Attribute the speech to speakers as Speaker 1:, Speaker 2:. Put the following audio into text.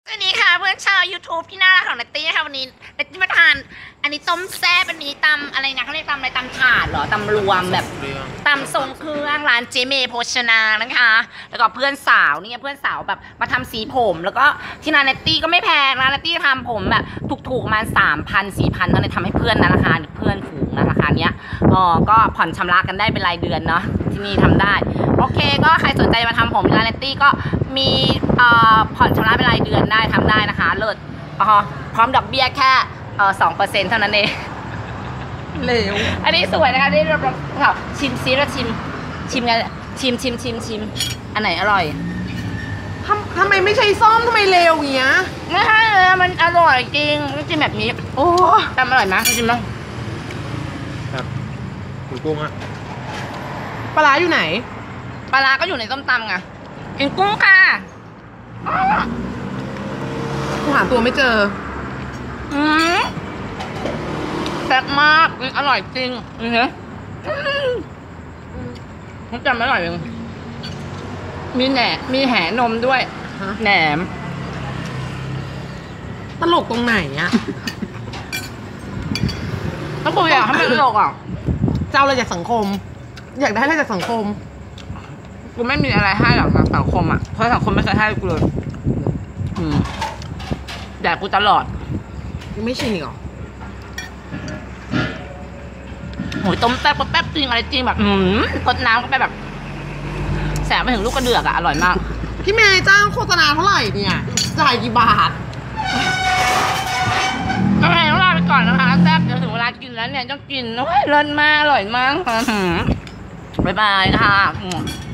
Speaker 1: สวัสดีค่ะเพื่อนชาว YouTube ที่น่ารักของนัตตี้นะคะวันนี้นัตตี้มาทานอันนี้ต้มแซ่บอันนี้ตำอะไรนะเขาเรียกตำอะไรตำถาดเหรอตำรวมแบบตำทรงเครื่องร้านเจเมโภชนานะคะแล้วก็เพื่อนสาวนี่เพื่อนสาวแบบมาทำสีผมแล้วก็ที่ร้านนัตตี้ก็ไม่แพงนะนัตตี้ทำผมแบบถูกๆประมาณ3,000-4,000เท่านั้นทำให้เพื่อนนะราคาเพื่อนฝูงนะราคาเนี้ยก็ผ่อนชำระกันได้เป็นรายเดือนเนาะที่นี่ทำได้โอเคก็ใครสนใจมาทำผมร้านนัตตี้ก็มีผ่อนชำระเป็นรายเดือนได้ทำได้นะคะเลิศพร้อมดอกเบี้ยแค่2%เท่านั้นเอง
Speaker 2: เหลว
Speaker 1: อันนี้สวยนะคะนี่เราชิมซิเราชิมกันชิมอันไหนอร่อย
Speaker 2: ทำไมไม่ใช่ส้มทำไมเลวอย่างเงี้ย
Speaker 1: ไม่ใช่เลยมันอร่อยจริงชิมแบบนี้โอ้ทำอร่อยไหมชิมมั้ง
Speaker 3: ครับคุณกุ้งอะ
Speaker 2: ปลาร้าอยู่ไหน
Speaker 1: ปลาร้าก็อยู่ในส้มตำไงกินกุ้งค่ะ
Speaker 2: กูหาตัวไม่เจอ
Speaker 1: แซ่บมากอร่อยจริงนี่เหรอผมจำไม่อร่อยเลยมีแหนมด้วยแหนม
Speaker 2: ตลกตรงไหนอะ
Speaker 1: ถ้าคุยอะทำไมตลกอะ
Speaker 2: เจ้าอะไรจากสังคมอยากได้อะไรจากสังคม
Speaker 1: กูไม่มีอะไรให้หรอกสังคมอะเพราะสังคมไม่เคยให้กูเลยแต่กูตลอด
Speaker 2: ยังไม่ชินอีกหรอ
Speaker 1: โหยต้มแป๊บจริงอะไรจริงแบบกดน้ำก็ไปแบบแสบไปถึงลูกกระเดือกอะอร่อยมาก
Speaker 2: พี่เมย์จ้างโฆษณาเท่าไหร่เนี่ยจ่ายกี่บาท
Speaker 1: โอเคต้องลาไปก่อนนะคะแซ่บเดี๋ยวถึงเวลากินแล้วเนี่ยต้องกินโอ้ยเลิศมากอร่อยมากบ๊ายบายค่ะ